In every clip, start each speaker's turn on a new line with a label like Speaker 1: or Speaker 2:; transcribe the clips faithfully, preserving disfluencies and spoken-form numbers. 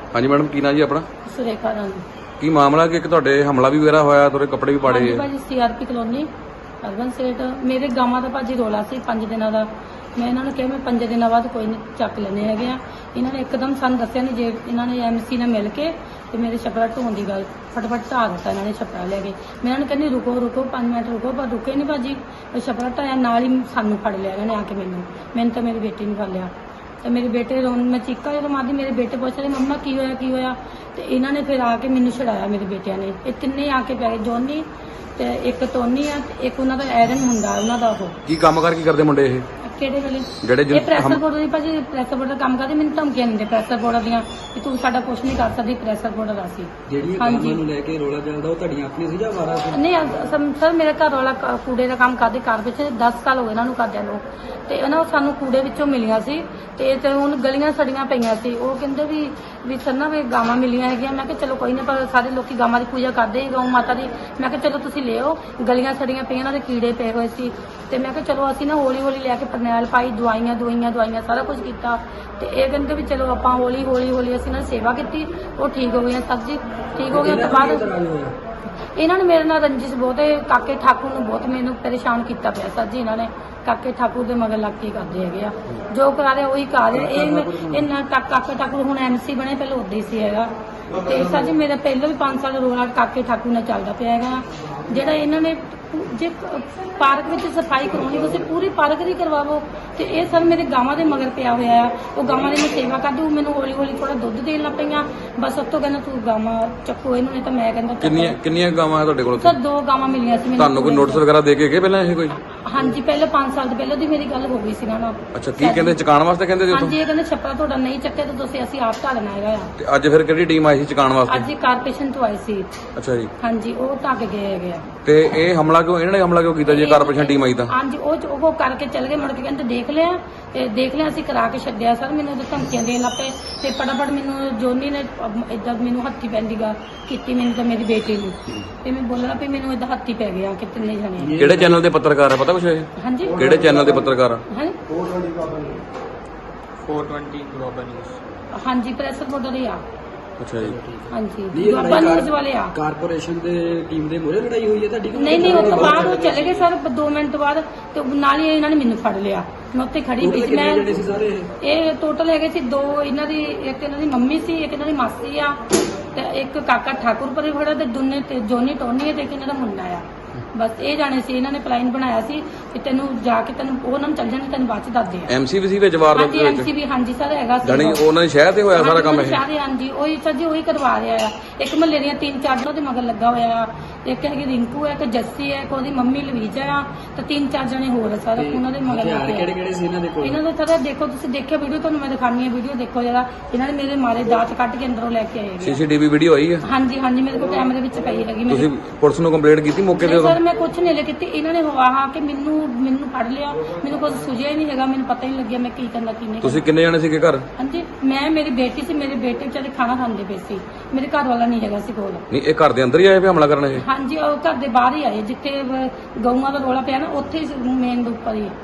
Speaker 1: हाँ जी मैडम की ना जी अपना
Speaker 2: सुरेखा रानी
Speaker 1: की मामला कि तुहाडे हमला भी वगैरह होया तुहाडे कपड़े भी पाड़े
Speaker 2: हाँ भाजी सीआरपी कलोनी ਅਰਬਨ ਸਟੇਟ ਮੇਰੇ ਗਾਵਾਂ ਦਾ ਭਾਜੀ ਰੋਲਾ ਸੀ ਪੰਜ ਦਿਨਾਂ ਦਾ। ਮੈਂ ਇਹਨਾਂ ਨੂੰ ਕਿਹਾ ਮੈਂ ਪੰਜ ਦਿਨਾਂ ਬਾਅਦ ਕੋਈ ਨਹੀਂ ਚੱਕ ਲੈਣੇ ਹੈਗੇ ਆ। ਇਹਨਾਂ ਨੇ ਇੱਕਦਮ ਸਾਨੂੰ ਦੱਸਿਆ ਨਹੀਂ, ਜੇ ਇਹਨਾਂ ਨੇ ਐਮਸੀ ਨਾਲ ਮਿਲ ਕੇ ਤੇ ਮੇਰੇ ਛੱਪੜਾ ਢੋਣ ਦੀ ਗੱਲ ਫਟਫਟ ਢਾਹ ਦਿੱਤਾ ਇਹਨਾਂ ਨੇ ਛੱਪੜਾ ਲੈ ਕੇ। ਮੈਂ ਇਹਨਾਂ ਨੂੰ ਕਹਿੰਦੀ ਰੁਕੋ ਰੁਕੋ ਪੰਜ ਮਿੰਟ ਰੁਕੋ, ਪਰ ਰੁਕੇ ਨਹੀਂ ਭਾਜੀ। ਛੱਪੜਾ ਢਾਇਆ ਨਾਲ ਹੀ ਸਾਨੂੰ ਫੜ ਲਿਆ ਇਹਨਾਂ ਨੇ ਆ ਕੇ। ਮੈਨੂੰ ਮੈਨੂੰ ਤਾਂ ਮੇਰੀ ਬੇਟੀ ਨੂੰ ਫੜ ਲਿਆ ਤੇ ਮੇਰੇ ਬੇਟੇ ਰੋਣ, ਮੈਂ ਚੀਕਾ ਜਦੋਂ ਮਾਰਦੀ ਮੇਰੇ ਬੇਟੇ ਪੁੱਛ ਰਹੇ ਮੰਮਾ ਕੀ ਹੋਇਆ ਕੀ ਹੋਇਆ, ਤੇ ਇਹਨਾਂ ਨੇ ਫਿਰ ਆ ਕੇ ਮੈਨੂੰ ਛਡਾਇਆ ਮੇਰੇ ਬੇਟਿਆਂ ਨੇ। ਇਹ ਤਿੰਨੇ ਆ ਕੇ ਪੈ ਗਏ, ਜੋਨੀ ਤੇ ਇੱਕ ਟੋਨੀ ਆ ਤੇ ਇੱਕ ਉਹਨਾਂ ਦਾ ਐਰਨ ਮੁੰਡਾ ਉਹਨਾਂ ਦਾ। ਉਹ
Speaker 1: ਕੀ ਕੰਮ ਕਰ ਕੀ ਕਰਦੇ ਮੁੰਡੇ ਇਹ
Speaker 2: ਕਿਹੜੇ ਵੇਲੇ
Speaker 1: ਜਿਹੜੇ
Speaker 2: ਇਹ ਪ੍ਰੈਸ਼ਰ ਬੋਰਡ ਦੀ ਭਾਜੀ ਪ੍ਰੈਸ਼ਰ ਬੋਰਡ ਦਾ ਕੰਮ ਕਰਦੇ। ਮੈਨੂੰ ਧਮਕੀਆਂ ਦਿੰਦੇ ਪ੍ਰੈਸ਼ਰ ਬੋਰਡ ਦੀਆਂ ਕਿ ਤੂੰ ਸਾਡਾ ਕੁਝ ਨਹੀਂ ਕਰ ਸਕਦੀ, ਪ੍ਰੈਸ਼ਰ ਬੋਰਡ ਦਾ ਸੀ।
Speaker 3: ਜਿਹੜੀਆਂ ਕੰਮਾਂ ਨੂੰ ਲੈ ਕੇ ਰੋਲਾ ਚੱਲਦਾ ਉਹ ਤੁਹਾਡੀਆਂ ਆਪਣੀ ਸੀ ਜਾਂ ਵਾਰਾ ਸੀ?
Speaker 2: ਨਹੀਂ ਅਸ- ਸਰ ਮੇਰੇ ਘਰ ਵਾਲਾ ਕ- ਕੂੜੇ ਦਾ ਕੰਮ ਕਰਦੇ ਘਰ ਵਿੱਚ ਦਸ ਸਾਲ ਹੋ ਗਏ ਇਹਨਾਂ ਨੂੰ ਕਰਦਿਆਂ ਨੂੰ, ਤੇ ਉਹਨਾਂ ਸਾਨੂੰ ਕੂੜੇ ਵਿੱਚੋਂ ਮਿਲੀਆਂ ਸੀ ਤੇ ਤੇ ਹੁਣ ਗਲੀਆਂ ਸੜੀਆਂ ਪਈਆਂ ਸੀ। ਉਹ ਕਹਿੰਦੇ ਵੀ ਵੀ ਸਰ ਨਾ ਵੀ ਗਾਵਾਂ ਮਿਲੀਆਂ ਹੈਗੀਆਂ। ਮੈਂ ਕਿਹਾ ਚਲੋ ਕੋਈ ਨਾ, ਪਰ ਸਾਰੇ ਲੋਕੀ ਗਾਵਾਂ ਦੀ ਪੂਜਾ ਕਰਦੇ ਗਊ ਮਾਤਾ ਦੀ। ਮੈਂ ਕਿਹਾ ਚਲੋ ਤੁਸੀਂ ਲਿਓ, ਗਲੀਆਂ ਸੜੀਆਂ ਪਈਆਂ ਉਹਨਾਂ ਦੇ ਕੀੜੇ ਪਏ ਹੋਏ ਸੀ। ਤੇ ਮੈਂ ਕਿਹਾ ਚਲੋ ਅਸੀਂ ਨਾ ਹੌਲੀ ਹੌਲੀ ਲੈ ਕੇ ਫਰਨੈਲ ਪਾਈ, ਦਵਾਈਆਂ ਦਵਾਈਆਂ ਦਵਾਈਆਂ ਸਾਰਾ ਕੁਝ ਕੀਤਾ। ਤੇ ਇਹ ਕਹਿੰਦੇ ਵੀ ਚਲੋ ਆਪਾਂ ਹੌਲੀ ਹੌਲੀ ਹੌਲੀ ਅਸੀਂ ਨਾਲ ਸੇਵਾ ਕੀਤੀ, ਉਹ ਠੀਕ ਹੋ ਗਈਆਂ। ਸਰ ਜੀ ਠੀਕ ਹੋ ਗਿਆ ਤੋਂ ਬਾਅਦ ਇਹਨਾਂ ਨੇ ਮੇਰੇ ਨਾਲ ਰੰਜਿਸ਼ ਬਹੁਤ ਹੈ। ਕਾਕੇ ਠਾਕੁਰ ਨੂੰ ਬਹੁਤ ਮੈਨੂੰ ਪਰੇਸ਼ਾਨ ਕੀਤਾ ਪਿਆ ਸਰ ਜੀ। ਇਹਨਾਂ ਨੇ ਕਾਕੇ ਠਾਕੁਰ ਦੇ ਮਗਰ ਲੱਗ ਕੇ ਕਰਦੇ ਹੈਗੇ ਆ, ਜੋ ਕਰਾ ਰਹੇ ਉਹੀ ਕਰ ਰਹੇ। ਇਹ ਇਹਨਾਂ ਕਾਕੇ ਠਾਕੁਰ ਹੁਣ ਐਮਸੀ ਬਣੇ, ਪਹਿਲਾਂ ਉਦਾਂ ਹੀ ਸੀ ਹੈਗਾ। ਤੇ ਸਰ ਜੀ ਮੇਰਾ ਪਹਿਲਾਂ ਵੀ ਪੰਜ ਸਾਲ ਰੋਲਾ ਕਾਕੇ ਠਾਕੁਰ ਨਾਲ ਚੱਲਦਾ ਪਿਆ ਹੈਗਾ। ਜਿਹੜਾ ਇਹਨਾਂ ਨੇ ਜੇ ਪਾਰਕ ਵਿੱਚ ਸਫਾਈ ਕਰਾਉਣੀ ਤੁਸੀਂ ਪੂਰੀ ਪਾਰਕ ਦੀ ਕਰਵਾਵੋ। ਤੇ ਇਹ ਸਰ ਮੇਰੇ ਗਾਵਾਂ ਦੇ ਮਗਰ ਪਿਆ ਹੋਇਆ ਆ। ਉਹ ਗਾਵਾਂ ਦੀ ਮੈਂ ਸੇਵਾ ਕਰਦੀ, ਉਹ ਮੈਨੂੰ ਹੌਲੀ ਹੌਲੀ ਥੋੜਾ ਦੁੱਧ ਦੇਣ ਲੱਗ ਪਈਆਂ। ਬਸ ਉਸ ਤੋਂ ਕਹਿੰਦਾ ਤੂੰ ਗਾਵਾਂ ਚੱਕੋ ਇਹਨੂੰ, ਨਹੀਂ ਤਾਂ ਮੈਂ ਕਹਿੰਦਾ
Speaker 1: ਕਿੰਨੀਆਂ ਕਿੰਨੀਆਂ ਗਾਵਾਂ ਹੈ ਤੁਹਾਡੇ ਕੋਲ?
Speaker 2: ਸਰ ਦੋ ਗਾਵਾਂ ਮਿਲੀਆਂ ਸੀ ਮੈਨੂੰ।
Speaker 1: ਤੁਹਾਨੂੰ ਕੋਈ ਨੋਟਿਸ ਵਗੈਰਾ ਦੇ ਕੇ ਗਏ ਪਹਿਲਾਂ ਇਹ ਕੋਈ?
Speaker 2: ਹਾਂਜੀ ਪਹਿਲਾਂ ਪੰਜ ਸਾਲ ਤੋਂ ਪਹਿਲਾਂ ਦੀ ਮੇਰੀ ਗੱਲ ਹੋ ਗਈ ਸੀ ਨਾ ਨਾਲ।
Speaker 1: ਅੱਛਾ ਕੀ ਕਹਿੰਦੇ ਚਕਾਉਣ ਵਾਸਤੇ ਕਹਿੰਦੇ ਸੀ ਉੱਥੋਂ?
Speaker 2: ਹਾਂਜੀ ਇਹ ਕਹਿੰਦੇ ਛੱਪੜਾ ਤੁਹਾਡਾ ਨਹੀਂ ਚੱਕਿਆ ਤਾਂ ਤੁਸੀਂ ਅਸੀਂ ਆਪ ਢਾਲਣਾ ਹੈਗਾ ਆ।
Speaker 1: ਤੇ ਅੱਜ ਫਿਰ ਕਿਹੜੀ ਟੀਮ ਆਈ ਸੀ ਚਕਾਉਣ ਵਾਸਤੇ?
Speaker 2: ਅੱਜ ਹੀ ਕਾਰਪੋਰੇਸ਼ਨ ਤੋਂ ਆਈ ਸੀ।
Speaker 1: ਅੱਛਾ ਜੀ।
Speaker 2: ਹਾਂਜੀ ਉਹ ਢੱਕ ਗਏ ਹੈਗੇ ਆ।
Speaker 1: ਤੇ ਇਹ ਹਮਲਾ ਕਿਉਂ ਇਹਨਾਂ ਨੇ ਹਮਲਾ ਕਿਉਂ ਕੀਤਾ ਜੇ ਕਾਰਪੋਰੇਸ਼ਨ ਟੀਮ ਆਈ ਤਾਂ?
Speaker 2: ਹਾਂਜੀ ਉਹ ਉਹ ਕਰਕੇ ਚੱਲ ਗਏ, ਮੁੜ ਕੇ ਕਹਿੰਦੇ ਦੇਖ ਲਿਆ ਤੇ ਦੇਖ ਲਿਆ ਅਸੀਂ ਕਰਾ ਕੇ ਛੱਡਿਆ। ਸਰ ਮੈਨੂੰ ਉਹਦੇ ਧਮਕੀਆਂ ਦੇਣ ਲੱਗ ਪਏ ਤੇ ਫਟਾਫਟ ਮੈਨੂੰ ਜੋਨੀ ਨੇ ਇਦਾਂ ਮੈਨੂੰ ਹੱਥੀ ਪੈਂਦੀ ਗਾ ਕੀਤੀ ਮੈਨੂੰ ਤਾਂ ਮੇਰੀ ਬੇਟੀ ਨੂੰ। ਤੇ ਮੈਂ ਬੋਲਣਾ ਵੀ ਮੈਨੂੰ ਇਦਾਂ ਹੱਥੀ ਪੈ ਗਿਆ ਕਿ ਤਿੰਨੇ ਜਣੇ।
Speaker 1: ਕਿਹੜੇ ਚੈਨਲ ਦੇ ਪੱਤਰਕਾਰ ਆ ਪਤਾ ਕੁਛ ਇਹ?
Speaker 2: ਹਾਂਜੀ
Speaker 1: ਕਿਹੜੇ ਚੈਨਲ ਦੇ ਪੱਤਰਕਾਰ ਆ?
Speaker 2: ਹਾਂਜੀ
Speaker 3: ਚਾਰ ਸੌ ਵੀਹ ਗਲੋਬਲ ਨਿਊਜ਼।
Speaker 2: ਹਾਂਜੀ ਪ੍ਰੈਸ ਰਿਪੋਰਟਰ ਹੀ ਆ।
Speaker 1: ਅੱਛਾ ਜੀ।
Speaker 2: ਹਾਂਜੀ ਗਲੋਬਲ ਨਿਊਜ਼ ਵਾਲੇ ਆ।
Speaker 3: ਕਾਰਪੋਰੇਸ਼ਨ ਦੇ ਟੀਮ ਦੇ ਮੂਹਰੇ ਲੜਾਈ ਹੋਈ ਹੈ ਤੁਹਾਡੀ?
Speaker 2: ਨਹੀਂ ਨਹੀਂ ਉਸ ਤੋਂ ਬਾਅਦ ਉਹ ਚਲੇ ਗਏ ਸਰ ਦੋ ਮਿੰਟ ਬਾਅਦ, ਤੇ ਨਾਲ ਹੀ ਇਹਨਾਂ ਨੇ ਮੈਨੂੰ ਫੜ ਲਿਆ। ਮੈਂ ਉੱਥੇ ਖੜੀ ਪਈ ਸੀ। ਮੈਂ
Speaker 3: ਜਿਹੜੇ ਸੀ ਸਾਰੇ
Speaker 2: ਇਹ ਟੋਟਲ ਹੈਗੇ ਸੀ ਦੋ, ਇਹਨਾਂ ਦੀ ਇੱਕ ਇਹਨਾਂ ਦੀ ਮੰਮੀ ਸੀ, ਇੱਕ ਇਹਨਾਂ ਦੀ ਮਾਸੀ ਆ, ਤੇ ਇੱਕ ਕਾਕਾ ਠਾਕੁਰ ਪਰੇ ਖੜਾ, ਤੇ ਦੋਨੇ ਤੇ ਜੋਨੀ ਟੋਨੀ ਤੇ ਇੱਕ ਇਹਨਾਂ ਦਾ ਮੁੰਡਾ ਆ। ਬਸ ਇਹ ਜਾਣੇ ਸੀ। ਇਹਨਾਂ ਨੇ ਪਲਾਨ ਬਣਾਇਆ ਸੀ ਕਿ ਤੈਨੂੰ ਜਾ ਕੇ ਤੈਨੂੰ ਉਹਨਾਂ ਨੂੰ ਚੱਲ ਜਾਣੇ, ਤੈਨੂੰ ਬਾਅਦ ਚ ਦੱਸਦੇ ਆ।
Speaker 1: ਐਮਸੀ ਵੀ ਸੀ ਵਿੱਚ ਵਾਰਦਾਤ
Speaker 2: ਹਾਂਜੀ
Speaker 1: ਦੇ ਵਿੱਚ?
Speaker 2: ਐਮਸੀ ਵੀ ਹਾਂਜੀ ਸਰ ਹੈਗਾ ਸੀ।
Speaker 1: ਜਾਨੀ ਉਹਨਾਂ ਦੇ ਸ਼ਹਿਰ ਤੇ ਹੋਇਆ ਸਾਰਾ ਕੰਮ ਇਹ?
Speaker 2: ਸ਼ਹਿਰ ਹਾਂਜੀ ਉਹੀ ਸਰ ਜੀ ਉਹੀ ਕਰਵਾ ਰਿਹਾ ਆ। ਇੱਕ ਮਹੱਲੇ ਦੀਆਂ ਤਿੰਨ ਚਾਰ ਉਹਨਾਂ ਦੇ ਮਗਰ ਲੱਗਾ ਹੋਇਆ ਆ। ਇੱਕ ਹੈਗੀ ਰਿੰਕੂ ਹੈ, ਇੱਕ ਜੱਸੀ ਹੈ, ਇੱਕ ਉਹਦੀ ਮੰਮੀ ਲਵੀਜਾ ਆ, ਤੇ ਤਿੰਨ ਚਾਰ ਜਣੇ ਹੋਰ ਆ ਸਰ ਉਹਨਾਂ ਦੇ ਮਗਰ ਲੱਗੇ।
Speaker 3: ਕਿਹੜੇ ਕਿਹੜੇ ਸੀ ਇਹਨਾਂ ਦੇ ਕੋਲ?
Speaker 2: ਇਹਨਾਂ ਦਾ ਸਰ ਦੇਖੋ ਤੁਸੀਂ ਦੇਖਿਆ ਵੀਡੀਓ, ਤੁਹਾਨੂੰ ਮੈਂ ਦਿਖਾਣੀ ਹੈ ਵੀਡੀਓ ਦੇਖੋ ਜਰਾ। ਇਹਨਾਂ ਨੇ ਮੇਰੇ ਮਾਰੇ ਦਾਤ ਕੱਢ ਕੇ ਅੰਦਰੋਂ ਲੈ ਕੇ ਆਏ ਹੈਗੇ।
Speaker 1: ਸੀਸੀਟੀਵੀ ਵੀਡੀਓ ਆਈ ਹੈ?
Speaker 2: ਹਾਂਜੀ ਹਾਂਜੀ ਮੇਰੇ ਕੋਲ ਕੈਮਰੇ ਵਿੱਚ ਪਈ ਹੈਗੀ।
Speaker 1: ਤੁਸੀਂ ਪੁਲਿਸ ਨੂੰ ਕੰਪਲੇਂਟ ਕੀਤੀ ਮੌਕੇ ਤੇ ਉਦੋਂ?
Speaker 2: ਸਰ ਮੈਂ ਕੁਝ ਨਹੀਂ ਲੈ ਕੀਤੀ। ਇਹਨਾਂ ਨੇ ਹਵਾ ਕੇ ਮੈਨੂੰ ਮੈਨੂੰ ਫੜ ਲਿਆ, ਮੈਨੂੰ ਕੁਝ ਸੁਝਿਆ ਹੀ ਨਹੀਂ ਹੈਗਾ, ਮੈਨੂੰ ਪਤਾ ਹੀ ਨਹੀਂ ਲੱਗਿਆ ਮੈਂ ਕੀ ਕਰਨਾ ਕੀ ਨਹੀਂ।
Speaker 1: ਤੁਸੀਂ ਕਿੰਨੇ ਜਣੇ ਸੀਗੇ ਘਰ?
Speaker 2: ਹਾਂਜੀ ਮੈਂ ਮੇਰੀ ਬੇਟੀ ਸੀ, ਮੇਰੇ ਬੇਟੇ ਵਿਚਾਰੇ ਖਾਣਾ ਖਾਂਦੇ ਪਏ ਸੀ, ਮੇਰੇ ਘਰ ਵਾਲਾ ਨਹੀਂ ਹੈਗਾ ਸੀ ਕੋਲ।
Speaker 1: ਨਹੀਂ ਇਹ ਘਰ ਦੇ ਅੰਦਰ ਹੀ ਆਏ ਵੀ ਹਮਲਾ ਕਰਨ ਇਹ?
Speaker 2: ਹਾਂਜੀ ਉਹ ਘਰ ਦੇ ਬਾਹਰ ਹੀ ਆਏ, ਜਿੱਥੇ ਗਊਆਂ ਦਾ ਰੋਲਾ ਪਿਆ ਨਾ ਉੱਥੇ ਹੀ ਮੇਨ ਦੇ ਉੱਪਰ ਹੀ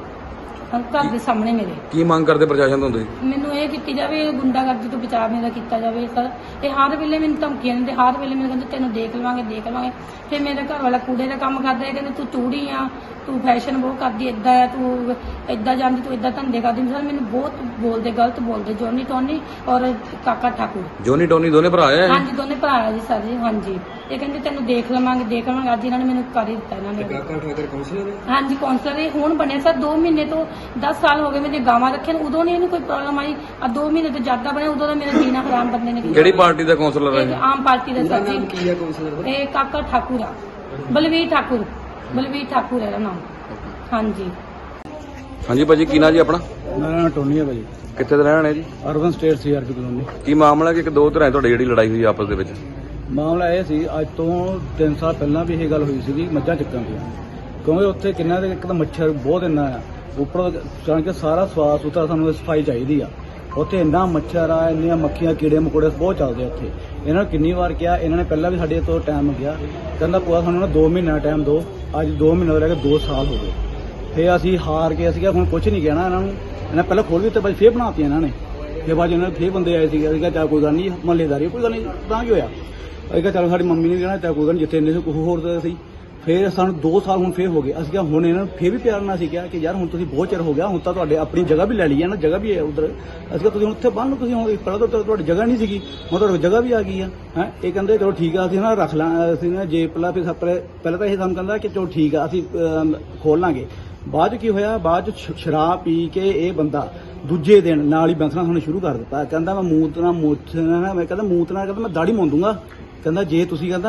Speaker 2: ਘਰ ਦੇ ਸਾਹਮਣੇ ਮੇਰੇ।
Speaker 1: ਕੀ ਮੰਗ ਕਰਦੇ ਪ੍ਰਸ਼ਾਸਨ ਤੋਂ ਤੁਸੀਂ?
Speaker 2: ਮੈਨੂੰ ਇਹ ਕੀਤੀ ਜਾਵੇ ਗੁੰਡਾਗਰਦੀ ਤੋਂ ਬਚਾਅ ਮੇਰਾ ਕੀਤਾ ਜਾਵੇ ਸਰ। ਇਹ ਹਰ ਵੇਲੇ ਮੈਨੂੰ ਧਮਕੀਆਂ ਦਿੰਦੇ, ਹਰ ਵੇਲੇ ਮੈਨੂੰ ਕਹਿੰਦੇ ਤੈਨੂੰ ਦੇਖ ਲਵਾਂਗੇ ਦੇਖ ਲਵਾਂਗੇ। ਫਿਰ ਮੇਰਾ ਘਰ ਵਾਲਾ ਕੂੜੇ ਦਾ ਕੰਮ ਕਰਦਾ ਹੈ, ਕਹਿੰਦੇ ਤੂੰ ਚੂੜੀ ਆ, ਤੂੰ ਫੈਸ਼ਨ ਬਹੁਤ ਕਰਦੀ ਏਦਾਂ ਆ, ਤੂੰ ਏਦਾਂ ਜਾਂਦੀ, ਤੂੰ ਏਦਾਂ ਧੰਦੇ ਕਰਦੀ। ਸਰ ਮੈਨੂੰ ਬਹੁਤ ਬੋਲਦੇ, ਗਲਤ ਬੋਲਦੇ ਜੋਨੀ ਟੋਨੀ ਔਰ ਕਾਕਾ ਠਾਕੁਰ।
Speaker 1: ਜੋਨੀ ਟੋਨੀ ਦੋਨੇ ਭਰਾ ਆ?
Speaker 2: ਹਾਂਜੀ ਦੋਨੇ ਭਰਾ ਆ ਜੀ ਸਰ ਜੀ। ਹਾਂਜੀ ਇਹ ਕਹਿੰਦੇ ਤੈਨੂੰ ਦੇਖ ਲਵਾਂਗੇ ਦੇਖ ਲਵਾਂਗੇ। ਅੱਜ ਇਹਨਾਂ ਨੇ ਮੈਨੂੰ ਕਰ ਹੀ ਦਿੱਤਾ ਇਹਨਾਂ ਨੇ।
Speaker 3: ਕਾਕਾ ਠਾਕੁਰ ਕਾਉਂਸਲਰ ਹੈ?
Speaker 2: ਹਾਂਜੀ ਕਾਉਂਸਲਰ ਇਹ ਹੁਣ ਬਣਿਆ ਸਰ। ਦੋ ਮਹੀਨੇ ਤੋਂ ਦਸ ਸਾਲ ਹੋ ਗਏ ਮੇਰੇ ਗਾਵਾਂ ਰੱਖੇ ਨੇ, ਉਦੋਂ ਨਹੀਂ ਇਹਨੂੰ ਕੋਈ ਪ੍ਰੋਬਲਮ ਆਈ। ਆ ਦੋ ਮਹੀਨੇ ਤੋਂ ਜ਼ਿਆਦਾ ਬਣਿਆ, ਉਦੋਂ ਦਾ ਮੇਰਾ ਜੀਣਾ ਹਰਾਮ ਬੰਦੇ ਨੇ ਕੀਤਾ।
Speaker 1: ਕਿਹੜੀ ਪਾਰਟੀ ਦਾ ਕਾਉਂਸਲਰ
Speaker 2: ਇਹ
Speaker 1: ਹੈ?
Speaker 2: ਆਮ ਪਾਰਟੀ ਦਾ ਸਰ ਜੀ।
Speaker 3: ਕੀ ਹੈ ਕਾਉਂਸਲਰ ਦਾ?
Speaker 2: ਇਹ ਕਾਕਾ ਠਾਕੁਰ ਆ, ਬਲਵੀਰ ਠਾਕੁਰ, ਬਲਵੀਰ ਠਾਕੁਰ ਹੈ ਇਹਦਾ ਨਾਮ। ਹਾਂਜੀ
Speaker 1: ਹਾਂਜੀ ਭਾਜੀ ਕੀ ਨਾਂ ਜੀ ਆਪਣਾ?
Speaker 4: ਮੇਰਾ ਨਾਮ ਟੋਨੀ ਹੈ ਭਾਜੀ,
Speaker 1: ਕਿੱਥੇ ਦੇ ਰਹਿਣ ਵਾਲੇ ਜੀ?
Speaker 4: Urban estate CRP colony.
Speaker 1: ਕੀ ਮਾਮਲਾ ਕਿ ਇੱਕ ਦੋ ਧਿਰਾਂ ਤੁਹਾਡੀ ਜਿਹੜੀ ਲੜਾਈ ਹੋਈ ਆਪਸ ਦੇ ਵਿੱਚ?
Speaker 4: ਮਾਮਲਾ ਇਹ ਸੀ ਅੱਜ ਤੋਂ ਤਿੰਨ ਸਾਲ ਪਹਿਲਾਂ ਵੀ ਇਹ ਗੱਲ ਹੋਈ ਸੀਗੀ ਮੱਝਾਂ ਚੱਕਾਂ ਦੀ, ਕਿਉਂਕਿ ਉੱਥੇ ਕਿੰਨਾ ਦੇ ਇੱਕ ਤਾਂ ਮੱਛਰ ਬਹੁਤ ਇੰਨਾ ਆ, ਉੱਪਰ ਜਾਣ ਕੇ ਸਾਰਾ ਸਵਾਸ ਸੁਥਰਾ ਸਾਨੂੰ ਸਫਾਈ ਚਾਹੀਦੀ ਆ। ਉੱਥੇ ਇੰਨਾ ਮੱਛਰ ਆ, ਇੰਨੀਆਂ ਮੱਖੀਆਂ ਕੀੜੇ ਮਕੌੜੇ ਬਹੁਤ ਚੱਲਦੇ ਉੱਥੇ। ਇਹਨਾਂ ਨੂੰ ਕਿੰਨੀ ਵਾਰ ਕਿਹਾ, ਇਹਨਾਂ ਨੇ ਪਹਿਲਾਂ ਵੀ ਸਾਡੇ ਤੋਂ ਟਾਈਮ ਮੰਗਿਆ, ਕਹਿੰਦਾ ਭੂਆ ਸਾਨੂੰ ਨਾ ਦੋ ਮਹੀਨਾ ਟਾਈਮ ਦਿਓ। ਅੱਜ ਦੋ ਮਹੀਨੇ ਤੋਂ ਲੈ ਕੇ ਦੋ ਸਾਲ ਹੋ ਗਏ। ਫਿਰ ਅਸੀਂ ਹਾਰ ਕੇ ਅਸੀਂ ਕਿਹਾ ਹੁਣ ਕੁਝ ਨਹੀਂ ਕਹਿਣਾ ਇਹਨਾਂ ਨੂੰ। ਇਹਨਾਂ ਪਹਿਲਾਂ ਖੋਲ ਵੀ ਤੇ ਬਾਈ ਫੇਰ ਬਣਾਤੀ ਇਹਨਾਂ ਨੇ। ਫਿਰ ਬਾਅਦ 'ਚ ਇਹਨਾਂ ਦੇ ਫੇਰ ਬੰਦੇ ਆਏ ਸੀਗੇ, ਅਸੀਂ ਕਿਹਾ ਚੱਲ ਕੋਈ ਗੱਲ ਨਹੀਂ ਮਹੱਲੇਦਾਰੀ ਕੋਈ ਗੱਲ ਨਹੀਂ ਤਾਂ ਕੀ ਹੋਇਆ, ਅਸੀਂ ਕਿਹਾ ਚੱਲ ਸਾਡੀ ਮੰਮੀ ਨੇ ਕਹਿਣਾ ਚੱਲ ਕੋਈ ਗੱਲ ਨਹੀਂ ਜਿੱਥੇ ਇੰਨੇ ਕੁ ਹੋਰ ਤਾਂ ਸੀ। ਫਿਰ ਸਾਨੂੰ ਦੋ ਸਾਲ ਹੁਣ ਫੇਰ ਹੋ ਗਏ, ਅਸੀਂ ਕਿਹਾ ਹੁਣ ਇਹਨਾਂ ਨੂੰ ਫੇਰ ਵੀ ਪਿਆਰ ਨਾਲ ਅਸੀਂ ਕਿਹਾ ਕਿ ਯਾਰ ਹੁਣ ਤੁਸੀਂ ਬਹੁਤ ਚਿਰ ਹੋ ਗਿਆ, ਹੁਣ ਤਾਂ ਤੁਹਾਡੇ ਆਪਣੀ ਜਗ੍ਹਾ ਵੀ ਲੈ ਲਈ ਹੈ ਨਾ, ਜਗ੍ਹਾ ਵੀ ਹੈ ਉਧਰ, ਅਸੀਂ ਕਿਹਾ ਤੁਸੀਂ ਹੁਣ ਉੱਥੇ ਬੰਨ ਲਓ, ਤੁਸੀਂ ਹੁਣ ਪਹਿਲਾਂ ਤਾਂ ਤੁਹਾਡੀ ਜਗ੍ਹਾ ਨਹੀਂ ਸੀਗੀ, ਹੁਣ ਤੁਹਾਡੀ ਜਗ੍ਹਾ ਵੀ ਆ ਗਈ ਆ ਹੈ। ਇਹ ਕਹਿੰਦੇ ਚਲੋ ਠੀਕ ਆ ਅਸੀਂ ਨਾ ਰੱਖ ਲਾਂ, ਅਸੀਂ ਨਾ ਜੇ ਪਹਿਲਾਂ ਫਿਰ ਪਹਿਲਾਂ ਤਾਂ ਇਹ ਸਾਨੂੰ ਕਹਿੰਦਾ ਕਿ ਚਲੋ ਠੀਕ ਆ ਅਸੀਂ ਖੋਲ ਲਾਂਗੇ। ਬਾਅਦ 'ਚ ਕੀ ਹੋਇਆ, ਬਾਅਦ 'ਚ ਸ਼ਰਾਬ ਪੀ ਕੇ ਇਹ ਬੰਦਾ ਦੂਜੇ ਦਿਨ ਨਾਲ ਹੀ ਬੈਂਸਣਾ ਸਾਨੂੰ ਸ਼ੁਰੂ ਕਰ ਦਿੱਤਾ, ਕਹਿੰਦਾ ਮੈਂ ਮੂਤਨਾ ਮੂਤਨਾ ਮੈਂ ਕਹਿੰਦਾ ਮੂਤਨਾ ਕਹਿੰਦਾ ਮੈਂ ਦਾੜੀ ਮੋਂ ਦੂੰਗਾ, ਕਹਿੰਦਾ ਜੇ ਤੁਸੀਂ ਕਹਿੰਦਾ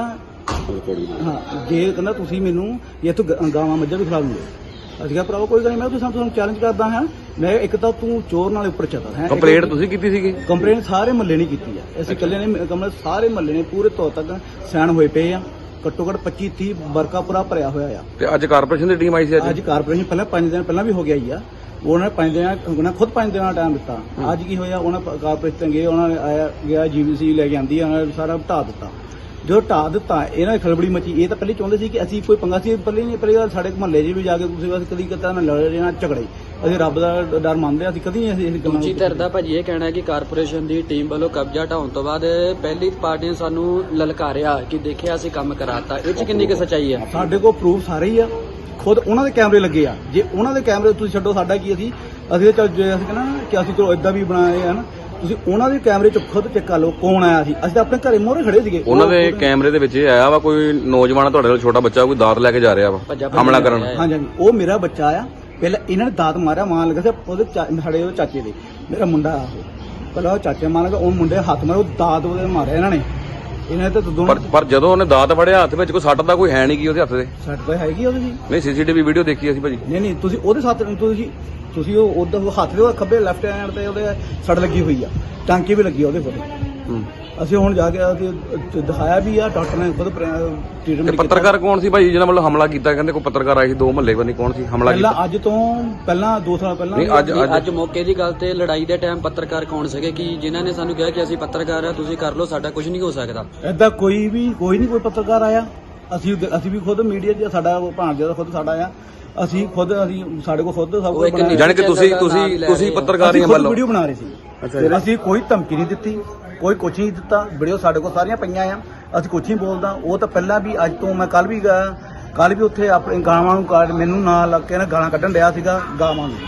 Speaker 4: ਹਾਂ ਜੇ ਕਹਿੰਦਾ ਤੁਸੀਂ ਮੈਨੂੰ ਇੱਥੋਂ ਗਾਵਾਂ ਮੱਝਾਂ ਵੀ ਖਿਲਾ ਦੂੰਗੇ। ਅਸੀਂ ਕਿਹਾ ਭਰਾਵਾ ਕੋਈ ਗੱਲ ਨਹੀਂ, ਮੈਂ ਤੂੰ ਸਾਨੂੰ ਚੈਲੰਜ ਕਰਦਾ ਹਾਂ, ਮੈਂ ਇੱਕ ਤਾਂ ਤੂੰ ਚੋਰ ਨਾਲ ਉੱਪਰ ਚੱਲਦਾ ਹੈ।
Speaker 1: ਕੰਪਲੇਂਟ ਤੁਸੀਂ ਕੀਤੀ ਸੀਗੀ?
Speaker 4: ਕੰਪਲੇਂਟ ਸਾਰੇ ਮਹੱਲੇ ਨੇ ਕੀਤੀ ਆ, ਅਸੀਂ ਇਕੱਲੇ ਨੇ ਕਮਲ ਸਾਰੇ ਮਹੱਲੇ ਨੇ ਪੂਰੇ ਤੌਰ ਤੱਕ ਸੈਨ ਹੋਏ ਪਏ ਆ, ਘੱਟੋ ਘੱਟ ਪੱਚੀ ਤੀਹ ਵਰਕਾ ਪੂਰਾ ਭਰਿਆ ਹੋਇਆ ਆ।
Speaker 1: ਤੇ ਅੱਜ ਕਾਰਪੋਰੇਸ਼ਨ ਦੀ ਟੀਮ ਆਈ ਸੀ?
Speaker 4: ਅੱਜ ਕਾਰਪੋਰੇਸ਼ਨ ਪਹਿਲਾਂ ਪੰਜ ਦਿਨ ਪਹਿਲਾਂ ਵੀ ਹੋ ਗਿਆ ਹੀ ਆ, ਉਹਨਾਂ ਨੇ ਪੰਜ ਦਿਨ ਉਹਨਾਂ ਖੁਦ ਪੰਜ ਦਿਨਾਂ ਦਾ ਟਾਈਮ ਦਿੱਤਾ। ਅੱਜ ਕੀ ਹੋਇਆ, ਉਹਨਾਂ ਕਾਰਪੋਰੇਸ਼ਨ ਗਏ, ਉਹਨਾਂ ਨੇ ਆਇਆ ਗਿਆ ਜੀਵੀਸੀ ਲੈ ਕੇ ਆਂਦੀ, ਉਹਨਾਂ ਨੇ ਸਾਰਾ ਢਾਹ ਦਿੱਤਾ। ਜੋ ਢਾਹ ਦਿੱਤਾ ਇਹਨਾਂ ਦੀ ਖਲਬੜੀ ਮਚੀ। ਇਹ ਤਾਂ ਪਹਿਲੇ ਚਾਹੁੰਦੇ ਸੀ ਕਿ ਅਸੀਂ ਕੋਈ ਪੰਗਾ ਸੀ, ਪਹਿਲੇ ਨਹੀਂ ਪਹਿਲੀ ਗੱਲ ਸਾਡੇ ਮੁਹੱਲੇ 'ਚ ਵੀ ਜਾ ਕੇ ਤੁਸੀਂ ਬਸ ਕਦੀ ਕਦਾ ਨਾ ਲੜੇ ਨਾ ਝਗੜੇ, ਅਸੀਂ ਰੱਬ ਦਾ ਡਰ ਮੰਨਦੇ, ਅਸੀਂ ਕਦੀ ਅਸੀਂ ਇਸ ਗੱਲਾਂ
Speaker 3: ਦੂਜੀ ਧਿਰ ਦਾ ਭਾਜੀ ਇਹ ਕਹਿਣਾ ਹੈ ਕਿ ਕਾਰਪੋਰੇਸ਼ਨ ਦੀ ਟੀਮ ਵੱਲੋਂ ਕਬਜ਼ਾ ਢਾਉਣ ਤੋਂ ਬਾਅਦ ਪਹਿਲੀ ਪਾਰਟੀ ਨੇ ਸਾਨੂੰ ਲਲਕਾਰਿਆ ਕਿ ਦੇਖਿਆ ਅਸੀਂ ਕੰਮ ਕਰਾਤਾ, ਇਹ 'ਚ ਕਿੰਨੀ ਕੁ ਸੱਚਾਈ ਹੈ?
Speaker 4: ਸਾਡੇ ਕੋਲ ਪ੍ਰੂਫ ਸਾਰੇ ਹੀ ਆ, ਖੁਦ ਉਹਨਾਂ ਦੇ ਕੈਮਰੇ ਲੱਗੇ ਆ। ਜੇ ਉਹਨਾਂ ਦੇ ਕੈਮਰੇ ਤੁਸੀਂ ਛੱਡੋ, ਸਾਡਾ ਕੀ ਅਸੀਂ ਅਸੀਂ ਤਾਂ ਚੱਲ ਜੇ ਅਸੀਂ ਕਹਿੰਦਾ ਨਾ ਕਿ ਅਸੀਂ ਚਲੋ ਏਦਾਂ ਵੀ ਬਣਾਏ ਆ ਨਾ, ਤੁਸੀਂ ਉਹਨਾਂ ਦੇ ਕੈਮਰੇ ਚ ਖੁਦ ਚੈੱਕ ਕਰ ਲਓ ਕੌਣ ਆਇਆ ਸੀ। ਅਸੀਂ ਤਾਂ ਆਪਣੇ ਘਰੇ ਮੋਹਰੇ ਖੜੇ ਸੀਗੇ।
Speaker 1: ਉਹਨਾਂ ਦੇ ਕੈਮਰੇ ਦੇ ਵਿੱਚ ਇਹ ਆਇਆ ਵਾ ਕੋਈ ਨੌਜਵਾਨ ਤੁਹਾਡੇ ਨਾਲ ਛੋਟਾ ਬੱਚਾ ਕੋਈ ਦਾਤ ਲੈ ਕੇ ਜਾ ਰਿਹਾ ਵਾ ਹਮਲਾ ਕਰਨ।
Speaker 4: ਹਾਂਜੀ ਹਾਂਜੀ, ਉਹ ਮੇਰਾ ਬੱਚਾ ਆ। ਪਹਿਲਾਂ ਇਹਨਾਂ ਨੇ ਦਾਤ ਮਾਰਿਆ, ਮਾਰਨ ਲੱਗਾ ਸੀ ਉਹਦੇ ਸਾਡੇ ਉਹ ਚਾਚੇ ਦੇ, ਮੇਰਾ ਮੁੰਡਾ ਆ ਉਹ, ਪਹਿਲਾਂ ਉਹ ਚਾਚੇ ਮਾਰਨ ਲੱਗਾ, ਉਹ ਮੁੰਡੇ ਹੱਥ ਮਾਰੇ, ਉਹ ਦਾਤ ਉਹਦੇ ਮਾਰਿਆ ਇਹਨਾਂ ਨੇ। ਇਹਨਾਂ ਨੇ ਤਾਂ ਦੋਨੋਂ
Speaker 1: ਪਰ ਪਰ ਜਦੋਂ ਉਹਨੇ ਦਾਤ ਫੜਿਆ ਹੱਥ ਵਿੱਚ ਕੋਈ ਸੱਟ ਦਾ ਕੋਈ ਹੈ ਨਹੀਂ ਕੀ ਉਹਦੇ ਹੱਥ ਦੇ?
Speaker 4: ਸੱਟ ਤਾਂ ਹੈਗੀ ਉਹਦੇ ਜੀ।
Speaker 1: ਨਹੀਂ ਸੀਸੀਟੀਵੀ ਵੀਡੀਓ ਦੇਖੀ ਅਸੀਂ ਭਾਜੀ।
Speaker 4: ਨਹੀਂ ਨਹੀਂ, ਤੁਸੀਂ ਉਹਦੇ ਸਾਥ ਤੁਸੀਂ ਤੁਸੀਂ ਉਹ ਉਹਦਾ ਹੱਥ ਦੇ ਖੱਬੇ ਲੈਫਟ ਹੈਂਡ ਤੇ ਉਹਦੇ ਸੱਟ ਲੱਗੀ ਹੋਈ ਆ, ਟਾਂਕੀ ਵੀ ਲੱਗੀ ਉਹਦੇ ਕੋਲ। ਅਸੀਂ ਹੁਣ ਜਾ ਕੇ ਅਸੀਂ ਦਿਖਾਇਆ ਵੀ ਆ, ਡਾਕਟਰ ਨੇ ਖੁਦ ਟ੍ਰੀਟਮੈਂਟ ਕੀਤਾ।
Speaker 1: ਪੱਤਰਕਾਰ ਕੌਣ ਸੀ ਭਾਈ ਜਿਹਨਾਂ ਵੱਲੋਂ ਹਮਲਾ ਕੀਤਾ? ਕਹਿੰਦੇ ਕੋਈ ਪੱਤਰਕਾਰ ਆਏ ਸੀ ਦੋ ਮਹੱਲੇ ਬੰਨੀ, ਕੌਣ ਸੀ ਹਮਲਾ ਕੀਤਾ?
Speaker 4: ਪਹਿਲਾਂ ਅੱਜ ਤੋਂ ਪਹਿਲਾਂ ਦੋ ਸਾਲ ਪਹਿਲਾਂ
Speaker 1: ਨਹੀਂ ਅੱਜ
Speaker 3: ਅੱਜ ਮੌਕੇ ਦੀ ਗੱਲ ਤੇ ਲੜਾਈ ਦੇ ਟਾਈਮ ਪੱਤਰਕਾਰ ਕੌਣ ਸੀਗੇ ਕਿ ਜਿਨ੍ਹਾਂ ਨੇ ਸਾਨੂੰ ਕਿਹਾ ਕਿ ਅਸੀਂ ਪੱਤਰਕਾਰ ਆ, ਤੁਸੀਂ ਕਰ ਲਓ, ਸਾਡਾ ਕੁਝ ਨਹੀਂ ਹੋ ਸਕਦਾ?
Speaker 4: ਏਦਾਂ ਕੋਈ ਵੀ ਕੋਈ ਨਹੀਂ ਕੋਈ ਪੱਤਰਕਾਰ ਆਇਆ। ਅਸੀਂ ਅਸੀਂ ਵੀ ਖੁਦ ਮੀਡੀਆ 'ਚ ਸਾਡਾ ਭਾਣਜਾ ਦਾ ਖੁਦ ਸਾਡਾ ਆ, ਅਸੀਂ ਖੁਦ ਅਸੀਂ ਸਾਡੇ ਕੋਲ ਖੁਦ ਸਭ ਕੁਝ ਬਣਾਇਆ।
Speaker 1: ਜਾਣੀ ਕਿ ਤੁਸੀਂ ਤੁਸੀਂ ਤੁਸੀਂ ਪੱਤਰਕਾਰ ਹੀ ਵੱਲੋਂ
Speaker 4: ਵੀਡੀਓ ਬਣਾ ਰਹੇ ਸੀ। ਅਸੀਂ ਕੋਈ ਧਮਕੀ ਨਹੀਂ ਦਿੱਤੀ, ਕੋਈ ਕੁਛ ਨਹੀਂ ਦਿੱਤਾ। ਵੀਡੀਓ ਸਾਡੇ ਕੋਲ ਸਾਰੀਆਂ ਪਈਆਂ ਆ, ਅਸੀਂ ਕੁਛ ਨਹੀਂ ਬੋਲਦਾ। ਉਹ ਤਾਂ ਪਹਿਲਾਂ ਵੀ ਅੱਜ ਤੋਂ ਮੈਂ ਕੱਲ ਵੀ ਗਿਆ, ਕੱਲ ਵੀ ਉੱਥੇ ਆਪਣੇ ਗਾਵਾਂ ਨੂੰ ਕਾੜ ਮੈਨੂੰ ਨਾਲ ਲੱਗ ਕੇ ਨਾ ਗਾਲਾਂ ਕੱਢਣ ਡਿਆ ਸੀਗਾ। ਗਾਵਾਂ ਨੂੰ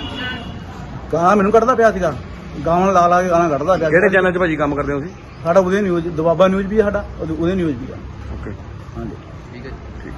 Speaker 4: ਗਾਲਾਂ ਮੈਨੂੰ ਕੱਢਦਾ ਪਿਆ ਸੀਗਾ, ਗਾਵਾਂ ਲਾ ਲਾ ਕੇ ਗਾਲਾਂ ਕੱਢਦਾ ਪਿਆ।
Speaker 1: ਕਿਹੜੇ ਚੈਨਲ 'ਚ ਭਾਜੀ ਕੰਮ ਕਰਦੇ ਹੋ ਤੁਸੀਂ?
Speaker 4: ਸਾਡਾ ਉਹਦੇ ਨਿਊਜ਼ ਦਬਾਬਾ ਨਿਊਜ਼ ਵੀ ਸਾਡਾ ਉਹਦੇ ਨਿਊਜ਼ ਵੀ ਆ।
Speaker 1: ਓਕੇ
Speaker 4: ਹਾਂਜੀ
Speaker 3: ਠੀਕ ਹੈ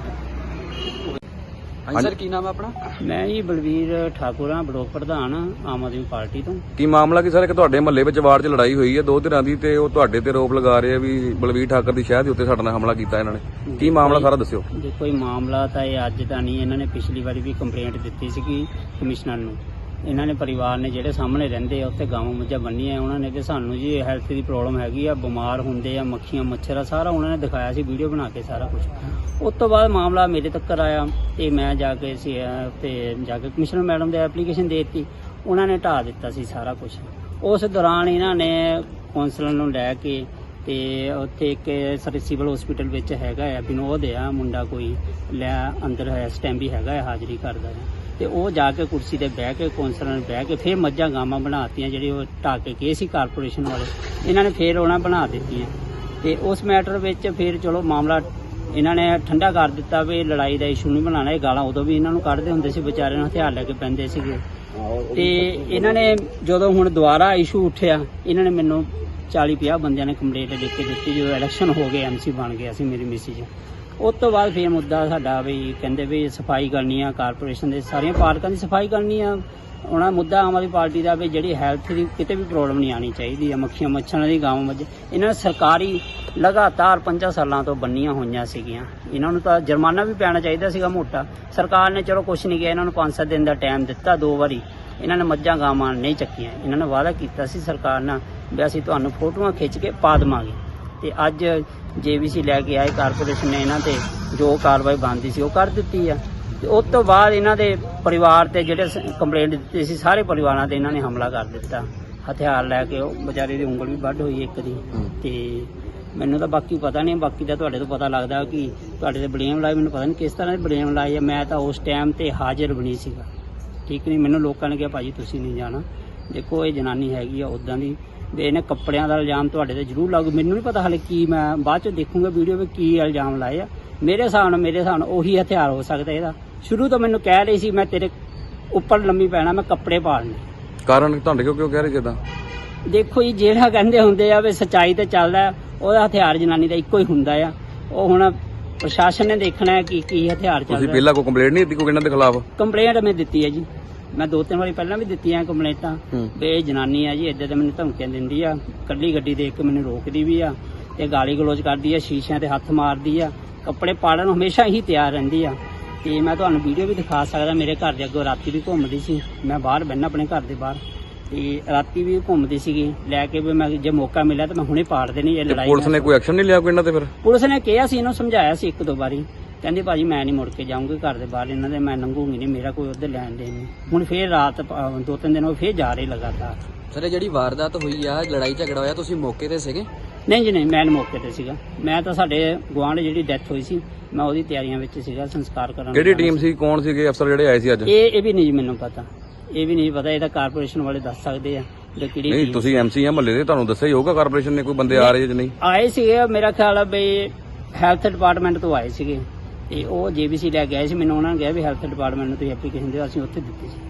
Speaker 3: ਹਾਂਜੀ ਸਰ, ਕੀ ਨਾਮ ਹੈ ਆਪਣਾ?
Speaker 5: ਮੈਂ ਜੀ ਬਲਵੀਰ ਠਾਕੁਰ ਹਾਂ, ਬਲਾਕ ਪ੍ਰਧਾਨ ਆਮ ਆਦਮੀ ਪਾਰਟੀ ਤੋਂ।
Speaker 1: ਕੀ ਮਾਮਲਾ ਕੀ ਸਰ? ਇੱਕ ਤੁਹਾਡੇ ਮਹੱਲੇ ਵਿੱਚ ਵਾਰਡ 'ਚ ਲੜਾਈ ਹੋਈ ਹੈ ਦੋ ਧਿਰਾਂ ਦੀ, ਤੇ ਉਹ ਤੁਹਾਡੇ ਤੇ ਆਰੋਪ ਲਗਾ ਰਹੇ ਆ ਵੀ ਬਲਵੀਰ ਠਾਕੁਰ ਦੀ ਸ਼ਹਿਰ ਦੇ ਉੱਤੇ ਸਾਡੇ ਨਾਲ ਹਮਲਾ ਕੀਤਾ ਇਹਨਾਂ ਨੇ। ਕੀ ਮਾਮਲਾ ਸਾਰਾ ਦੱਸਿਓ।
Speaker 5: ਦੇਖੋ ਇਹ ਮਾਮਲਾ ਤਾਂ ਇਹ ਅੱਜ ਦਾ ਨਹੀਂ, ਇਹਨਾਂ ਨੇ ਪਿਛਲੀ ਵਾਰੀ ਵੀ ਕੰਪਲੇਂਟ ਦਿੱਤੀ ਸੀਗੀ ਕਮਿਸ਼ਨਰ ਨੂੰ। ਇਹਨਾਂ ਨੇ ਪਰਿਵਾਰ ਨੇ ਜਿਹੜੇ ਸਾਹਮਣੇ ਰਹਿੰਦੇ ਆ ਉੱਥੇ ਗਾਵਾਂ ਮੱਝਾਂ ਬੰਨੀਆਂ, ਉਹਨਾਂ ਨੇ ਕਿ ਸਾਨੂੰ ਜੀ ਹੈਲਥ ਦੀ ਪ੍ਰੋਬਲਮ ਹੈਗੀ ਆ, ਬਿਮਾਰ ਹੁੰਦੇ ਆ, ਮੱਖੀਆਂ ਮੱਛਰ ਆ, ਸਾਰਾ ਉਹਨਾਂ ਨੇ ਦਿਖਾਇਆ ਸੀ ਵੀਡੀਓ ਬਣਾ ਕੇ ਸਾਰਾ ਕੁਝ। ਉਸ ਤੋਂ ਬਾਅਦ ਮਾਮਲਾ ਮੇਰੇ ਤੱਕ ਆਇਆ ਤੇ ਮੈਂ ਜਾ ਕੇ ਸੀ ਤੇ ਜਾ ਕੇ ਕਮਿਸ਼ਨਰ ਮੈਡਮ ਦੇ ਐਪਲੀਕੇਸ਼ਨ ਦੇ ਦਿੱਤੀ, ਉਹਨਾਂ ਨੇ ਢਾਹ ਦਿੱਤਾ ਸੀ ਸਾਰਾ ਕੁਝ। ਉਸ ਦੌਰਾਨ ਇਹਨਾਂ ਨੇ ਕੌਂਸਲਰ ਨੂੰ ਲੈ ਕੇ ਤੇ ਉੱਥੇ ਇੱਕ ਸਾਡੇ ਸਿਵਲ ਹਸਪੀਟਲ ਵਿੱਚ ਹੈਗਾ ਆ ਵਿਨੋਦ ਆ ਮੁੰਡਾ, ਕੋਈ ਲੈ ਅੰਦਰ ਹੈ ਸਟੈਂਬੀ ਹੈਗਾ ਹੈ, ਹਾਜ਼ਰੀ ਕਰਦਾ ਹੈ, ਤੇ ਉਹ ਜਾ ਕੇ ਕੁਰਸੀ ਤੇ ਬਹਿ ਕੇ ਕੌਂਸਲਰ ਨੇ ਬਹਿ ਕੇ ਫਿਰ ਮੱਝਾਂ ਗਾਵਾਂ ਬਣਾਤੀਆਂ, ਜਿਹੜੀ ਉਹ ਢਾਹ ਕੇ ਗਏ ਸੀ ਕਾਰਪੋਰੇਸ਼ਨ ਵਾਲੇ, ਇਹਨਾਂ ਨੇ ਫਿਰ ਉਹਨਾਂ ਬਣਾ ਦਿੱਤੀਆਂ। ਤੇ ਉਸ ਮੈਟਰ ਵਿੱਚ ਫਿਰ ਚਲੋ ਮਾਮਲਾ ਇਹਨਾਂ ਨੇ ਠੰਡਾ ਕਰ ਦਿੱਤਾ ਵੀ ਲੜਾਈ ਦਾ ਇਸ਼ੂ ਨਹੀਂ ਬਣਾਉਣਾ। ਇਹ ਗਾਲਾਂ ਉਦੋਂ ਵੀ ਇਹਨਾਂ ਨੂੰ ਕੱਢਦੇ ਹੁੰਦੇ ਸੀ, ਵਿਚਾਰਿਆਂ ਨੂੰ ਹਥਿਆਰ ਲੈ ਕੇ ਪੈਂਦੇ ਸੀਗੇ। ਤੇ ਇਹਨਾਂ ਨੇ ਜਦੋਂ ਹੁਣ ਦੁਬਾਰਾ ਇਸ਼ੂ ਉੱਠਿਆ, ਇਹਨਾਂ ਨੇ ਮੈਨੂੰ ਚਾਲੀ ਪੰਜਾਹ ਬੰਦਿਆਂ ਨੇ ਕੰਪਲੇਂਟ ਲਿਖ ਕੇ ਦਿੱਤੀ। ਜਦੋਂ ਇਲੈਕਸ਼ਨ ਹੋ ਗਏ, ਐਮਸੀ ਬਣ ਗਿਆ ਸੀ ਮੇਰੀ ਮਿਸਿਜ। ਉਸ ਤੋਂ ਬਾਅਦ ਫਿਰ ਮੁੱਦਾ ਸਾਡਾ ਵੀ ਕਹਿੰਦੇ ਵੀ ਸਫਾਈ ਕਰਨੀ ਆ, ਕਾਰਪੋਰੇਸ਼ਨ ਦੇ ਸਾਰੀਆਂ ਪਾਰਕਾਂ ਦੀ ਸਫਾਈ ਕਰਨੀ ਆ। ਉਹਨਾਂ ਮੁੱਦਾ ਆਮ ਆਦਮੀ ਪਾਰਟੀ ਦਾ ਵੀ ਜਿਹੜੀ ਹੈਲਥ ਦੀ ਕਿਤੇ ਵੀ ਪ੍ਰੋਬਲਮ ਨਹੀਂ ਆਉਣੀ ਚਾਹੀਦੀ ਆ, ਮੱਖੀਆਂ ਮੱਛਰਾਂ ਦੀ ਗਾਵਾਂ ਮੱਝ ਇਹਨਾਂ ਨੇ ਸਰਕਾਰੀ ਲਗਾਤਾਰ ਪੰਜਾਂ ਸਾਲਾਂ ਤੋਂ ਬੰਨੀਆਂ ਹੋਈਆਂ ਸੀਗੀਆਂ। ਇਹਨਾਂ ਨੂੰ ਤਾਂ ਜੁਰਮਾਨਾ ਵੀ ਪੈਣਾ ਚਾਹੀਦਾ ਸੀਗਾ ਮੋਟਾ। ਸਰਕਾਰ ਨੇ ਚਲੋ ਕੁਛ ਨਹੀਂ ਕਿਹਾ, ਇਹਨਾਂ ਨੂੰ ਪੰਜ ਸੱਤ ਦਿਨ ਦਾ ਟਾਈਮ ਦਿੱਤਾ, ਦੋ ਵਾਰੀ ਇਹਨਾਂ ਨੇ ਮੱਝਾਂ ਗਾਵਾਂ ਨਹੀਂ ਚੱਕੀਆਂ। ਇਹਨਾਂ ਨੇ ਵਾਅਦਾ ਕੀਤਾ ਸੀ ਸਰਕਾਰ ਨਾਲ ਵੀ ਅਸੀਂ ਤੁਹਾਨੂੰ ਫੋਟੋਆਂ ਖਿੱਚ ਕੇ ਪਾ ਦੇਵਾਂਗੇ, ਤੇ ਅੱਜ ਜੇਬੀਸੀ ਲੈ ਕੇ ਆਏ ਕਾਰਪੋਰੇਸ਼ਨ ਨੇ, ਇਹਨਾਂ ਤੇ ਜੋ ਕਾਰਵਾਈ ਬਣਦੀ ਸੀ ਉਹ ਕਰ ਦਿੱਤੀ ਆ। ਤੇ ਉਸ ਤੋਂ ਬਾਅਦ ਇਹਨਾਂ ਦੇ ਪਰਿਵਾਰ ਤੇ ਜਿਹੜੇ ਕੰਪਲੇਂਟ ਦਿੱਤੀ ਸੀ, ਸਾਰੇ ਪਰਿਵਾਰਾਂ ਤੇ ਇਹਨਾਂ ਨੇ ਹਮਲਾ ਕਰ ਦਿੱਤਾ ਹਥਿਆਰ ਲੈ ਕੇ। ਉਹ ਵਿਚਾਰੇ ਦੀ ਉਂਗਲ ਵੀ ਵੱਢ ਹੋਈ ਇੱਕ ਦੀ। ਤੇ ਮੈਨੂੰ ਤਾਂ ਬਾਕੀ ਪਤਾ ਨਹੀਂ, ਬਾਕੀ ਤਾਂ ਤੁਹਾਡੇ ਤੋਂ ਪਤਾ ਲੱਗਦਾ ਕਿ ਤੁਹਾਡੇ ਤੇ ਬਲੇਮ ਲਾਏ, ਮੈਨੂੰ ਪਤਾ ਨਹੀਂ ਕਿਸ ਤਰ੍ਹਾਂ ਦੇ ਬਲੇਮ ਲਾਏ ਆ। ਮੈਂ ਤਾਂ ਉਸ ਟਾਈਮ ਤੇ ਹਾਜ਼ਰ ਬਣੀ ਸੀਗਾ, ਠੀਕ ਨਹੀਂ। ਮੈਨੂੰ ਲੋਕਾਂ ਨੇ ਕਿਹਾ ਭਾਜੀ ਤੁਸੀਂ ਨਹੀਂ ਜਾਣਾ, ਦੇਖੋ ਇਹ ਜਨਾਨੀ ਹੈਗੀ ਆ ਉਦਾਂ ਦੀ ਵੀ ਇਹਨੇ ਕੱਪੜਿਆਂ ਦਾ ਇਲਜ਼ਾਮ ਤੁਹਾਡੇ ਤੇ ਜ਼ਰੂਰ ਲਾਗੂ। ਮੈਨੂੰ ਨਹੀਂ ਪਤਾ ਹਾਲੇ ਕੀ, ਮੈਂ ਬਾਅਦ ਚ ਦੇਖੂੰਗਾ ਵੀਡੀਓ ਵਿੱਚ ਕੀ ਇਲਜ਼ਾਮ ਲਾਏ ਆ। ਮੇਰੇ ਹਿਸਾਬ ਨਾਲ ਮੇਰੇ ਹਿਸਾਬ ਨਾਲ ਉਹੀ ਹਥਿਆਰ ਹੋ ਸਕਦਾ ਇਹਦਾ। ਸ਼ੁਰੂ ਤੋਂ ਮੈਨੂੰ ਕਹਿ ਰਹੀ ਸੀ ਮੈਂ ਤੇਰੇ ਉੱਪਰ ਲੰਮੀ ਪੈਣਾ, ਮੈਂ ਕੱਪੜੇ ਪਾੜਨੇ।
Speaker 1: ਕਾਰਨ ਤੁਹਾਡੇ ਕਿਉਂ ਕਿਉਂ ਕਹਿ ਰਹੇ ਜਿੱਦਾਂ?
Speaker 5: ਦੇਖੋ ਜੀ, ਜਿਹੜਾ ਕਹਿੰਦੇ ਹੁੰਦੇ ਆ ਵੀ ਸੱਚਾਈ ਤੇ ਚੱਲਦਾ, ਉਹਦਾ ਹਥਿਆਰ ਜਨਾਨੀ ਦਾ ਇੱਕੋ ਹੀ ਹੁੰਦਾ ਆ। ਉਹ ਹੁਣ ਪ੍ਰਸ਼ਾਸਨ ਨੇ ਦੇਖਣਾ ਹੈ ਕਿ ਕੀ ਹਥਿਆਰ ਚੱਲ
Speaker 1: ਤੁਸੀਂ
Speaker 5: ਰਿਹਾ।
Speaker 1: ਪਹਿਲਾਂ ਕੋਈ ਕੰਪਲੇਂਟ ਨਹੀਂ ਦਿੱਤੀ ਕੋਈ ਇਹਨਾਂ ਦੇ ਖਿਲਾਫ?
Speaker 5: ਕੰਪਲੇਂਟ ਮੈਂ ਦਿੱਤੀ ਹੈ ਜੀ, ਮੈਂ ਦੋ ਤਿੰਨ ਵਾਰੀ ਪਹਿਲਾਂ ਵੀ ਦਿੱਤੀਆਂ ਕੰਪਲੇਂਟਾਂ ਵੀ ਇਹ ਜਨਾਨੀ ਆ ਜੀ ਇੱਦਾਂ ਦੇ ਮੈਨੂੰ ਧਮਕੀਆਂ ਦਿੰਦੀ ਆ, ਕੱਲੀ ਗੱਡੀ ਦੇਖ ਕੇ ਮੈਨੂੰ ਰੋਕਦੀ ਵੀ ਆ ਤੇ ਗਾਲੀ ਗਲੋਚ ਕਰਦੀ ਆ, ਸ਼ੀਸ਼ਿਆਂ ਤੇ ਹੱਥ ਮਾਰਦੀ ਆ, ਕੱਪੜੇ ਪਾੜਨ ਨੂੰ ਹਮੇਸ਼ਾ ਹੀ ਤਿਆਰ ਰਹਿੰਦੀ ਆ। ਤੇ ਮੈਂ ਤੁਹਾਨੂੰ ਵੀਡੀਓ ਵੀ ਦਿਖਾ ਸਕਦਾ, ਮੇਰੇ ਘਰ ਦੇ ਅੱਗੋਂ ਰਾਤੀ ਵੀ ਘੁੰਮਦੀ ਸੀ, ਮੈਂ ਬਾਹਰ ਬਹਿਣਾ ਆਪਣੇ ਘਰ ਦੇ ਬਾਹਰ, ਤੇ ਰਾਤੀ ਵੀ ਘੁੰਮਦੀ ਸੀਗੀ ਲੈ ਕੇ ਵੀ ਮੈਂ ਜੇ ਮੌਕਾ ਮਿਲਿਆ ਤਾਂ ਮੈਂ ਹੁਣੇ ਪਾੜ ਦੇਣੀ ਇਹ
Speaker 1: ਤੇ
Speaker 5: ਲੜਾਈ।
Speaker 1: ਪੁਲਿਸ ਨੇ ਕੋਈ ਐਕਸ਼ਨ ਨਹੀਂ ਲਿਆ ਕੋਈ ਇਹਨਾਂ ਤੇ ਫਿਰ?
Speaker 5: ਪੁਲਿਸ ਨੇ ਕਿਹਾ ਸੀ, ਇਹਨੂੰ ਸਮਝਾਇਆ ਸੀ ਇੱਕ ਦੋ ਵਾਰੀ, ਕਹਿੰਦੀ ਭਾਜੀ ਮੈਂ ਨਹੀਂ ਮੁੜ ਕੇ ਜਾਊਂਗੀ ਘਰ ਦੇ ਬਾਹਰ ਇਹਨਾਂ ਦੇ, ਮੈਂ ਲੰਘੂਗੀ ਨਹੀਂ, ਮੇਰਾ ਕੋਈ ਉੱਧਰ ਲੈਣ ਦੇਣ ਨਹੀਂ। ਹੁਣ ਫੇਰ ਰਾਤ ਅ, ਦੋ ਤਿੰਨ ਦਿਨ ਹੋ ਫੇਰ ਜਾ ਰਹੇ ਲਗਾਤਾਰ।
Speaker 3: ਸਰ ਇਹ ਜਿਹੜੀ ਵਾਰਦਾਤ ਹੋਈ ਆ, ਲੜਾਈ ਝਗੜਾ ਹੋਇਆ, ਤੁਸੀਂ ਮੌਕੇ ਤੇ ਸੀਗੇ?
Speaker 5: ਨਹੀਂ ਜੀ ਨਹੀਂ, ਮੈਂ ਮੌਕੇ ਤੇ ਸੀਗਾ। ਮੈਂ ਤਾਂ ਸਾਡੇ ਗੁਆਂਢ ਜਿਹੜੀ ਡੈਥ ਹੋਈ ਸੀ ਮੈਂ ਉਹਦੀ ਤਿਆਰੀਆਂ ਵਿੱਚ ਸੀਗਾ, ਸੰਸਕਾਰ ਕਰਨ।
Speaker 1: ਕਿਹੜੀ ਟੀਮ ਸੀ, ਕੌਣ ਸੀਗੇ ਅਫਸਰ ਜਿਹੜੇ ਆਏ ਸੀ ਅੱਜ?
Speaker 5: ਇਹ ਇਹ ਵੀ ਨਹੀਂ ਜੀ ਮੈਨੂੰ ਪਤਾ, ਇਹ ਵੀ ਨਹੀਂ ਪਤਾ, ਇਹ ਤਾਂ ਕਾਰਪੋਰੇਸ਼ਨ ਵਾਲੇ ਦੱਸ ਸਕਦੇ ਆ ਕਿ ਕਿਹੜੀ
Speaker 1: ਨਹੀਂ
Speaker 5: team
Speaker 1: ਤੁਸੀਂ ਐਮਸੀ ਆ ਮਹੱਲੇ ਦੇ, ਤੁਹਾਨੂੰ ਦੱਸਿਆ ਹੀ ਹੋਊਗਾ ਕਾਰਪੋਰੇਸ਼ਨ ਨੇ ਕੋਈ ਬੰਦੇ ਆ ਰਹੇ ਜਾਂ ਨਹੀਂ?
Speaker 5: ਆਏ ਸੀਗੇ। ਮੇਰਾ ਖਿਆਲ ਆ ਬਈ ਹੈਲਥ ਡਿਪਾਰਟਮੈਂਟ ਤੋਂ ਆਏ ਸੀਗੇ ਤੇ ਉਹ ਜੇਬੀਸੀ ਲੈ ਕੇ ਆਏ ਸੀ। ਮੈਨੂੰ ਉਹਨਾਂ ਨੇ ਕਿਹਾ ਵੀ ਹੈਲਥ ਡਿਪਾਰਟਮੈਂਟ ਨੂੰ ਤੁਸੀਂ ਐਪਲੀਕੇਸ਼ਨ ਦਿਓ, ਅਸੀਂ ਉੱਥੇ ਦਿੱਤੀ ਸੀ।